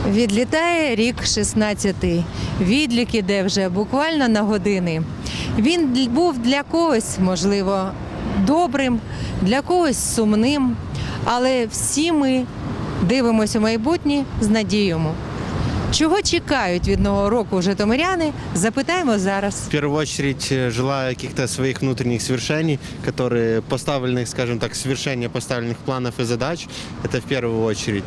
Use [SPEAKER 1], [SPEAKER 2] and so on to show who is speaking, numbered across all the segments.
[SPEAKER 1] Відлітає рік 16-й. Відлік іде вже буквально на години. Він був для когось, можливо, добрим, для когось сумним, але всі ми дивимося в майбутнє з надією. Чого чекають від нового року житомиряни, запитаємо зараз.
[SPEAKER 2] В первую очередь желаю каких-то своих внутренних свершений, которые поставленных, скажем так, свершения поставленных планов и задач. Это в первую очередь.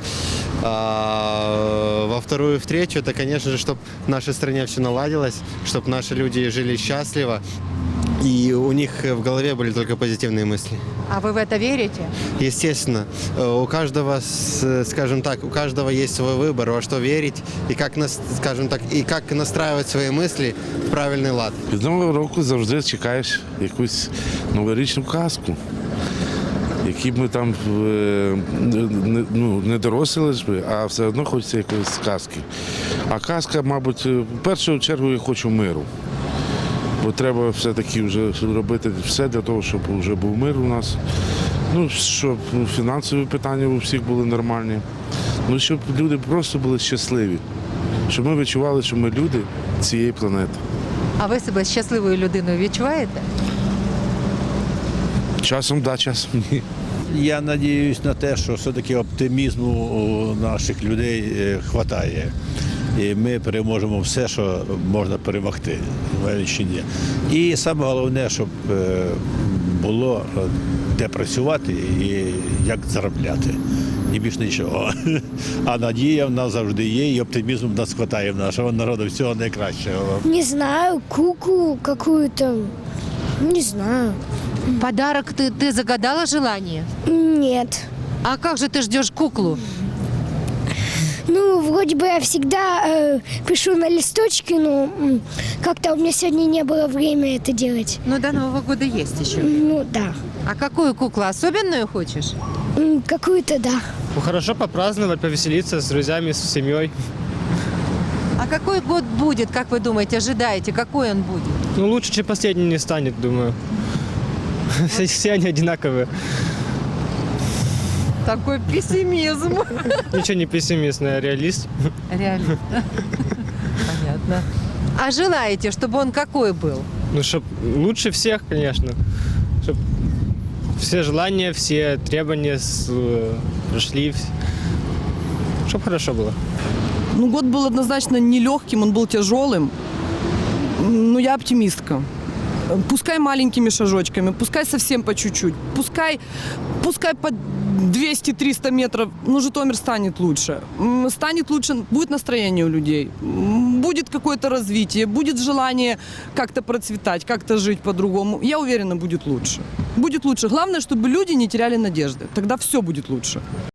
[SPEAKER 2] Во вторую и в третью, это, конечно же, чтобы в нашей стране все наладилось, чтобы наши люди жили счастливо, и у них в голове были только позитивные мысли.
[SPEAKER 1] А ви в це вірите?
[SPEAKER 2] Естественно, у каждого, скажем так, у каждого есть свой выбор, во что верить, и как, скажем так, и как настраивать свои мысли в правильный лад.
[SPEAKER 3] Від Нового року завжди чекаєш якусь новорічну казку, які б ми там не дорослили, а все одно хочеться якоїсь казки. А казка, мабуть, в першу чергу я хочу миру. Бо треба все-таки вже робити все для того, щоб вже був мир у нас. Ну, щоб фінансові питання у всіх були нормальні. Ну, щоб люди просто були щасливі. Щоб ми відчували, що ми люди цієї планети.
[SPEAKER 1] А ви себе щасливою людиною відчуваєте?
[SPEAKER 3] Часом да, часом ні.
[SPEAKER 4] Я сподіваюся на те, що все-таки оптимізму у наших людей вистачає. І ми переможемо все, що можна перемогти в Галичині. І саме головне, щоб було де працювати і як заробляти. І більш нічого. А надія в нас завжди є, і оптимізму в нас вистачає в нашого народу. Всього найкращого.
[SPEAKER 5] Не знаю, куклу какую-то, не знаю.
[SPEAKER 1] Подарок ты загадала желание?
[SPEAKER 5] Нет.
[SPEAKER 1] А как же ты ждешь куклу?
[SPEAKER 5] Ну, вроде бы я всегда пишу на листочке, но как-то у меня сегодня не было времени это делать.
[SPEAKER 1] Ну, до Нового года есть еще.
[SPEAKER 5] Ну, да.
[SPEAKER 1] А какую куклу? Особенную хочешь?
[SPEAKER 5] Какую-то, да.
[SPEAKER 6] Ну, хорошо попраздновать, повеселиться с друзьями, с семьей.
[SPEAKER 1] А какой год будет, как вы думаете, ожидаете? Какой он будет?
[SPEAKER 6] Ну, лучше, чем последний не станет, думаю. Все они одинаковые.
[SPEAKER 1] Такой пессимизм.
[SPEAKER 6] Ничего не пессимист, я реалист.
[SPEAKER 1] Реально. Понятно. А желаете, чтобы он какой был?
[SPEAKER 6] Ну, чтоб лучше всех, конечно. Чтоб все желания, все требования прошли. Чтоб хорошо было.
[SPEAKER 7] Ну, год был однозначно нелегким, он был тяжелым. Но я оптимистка. Пускай маленькими шажочками, пускай совсем по чуть-чуть, пускай по 200-300 метров, но Житомир станет лучше. Станет лучше, будет настроение у людей, будет какое-то развитие, будет желание как-то процветать, как-то жить по-другому. Я уверена, будет лучше. Будет лучше. Главное, чтобы люди не теряли надежды. Тогда все будет лучше.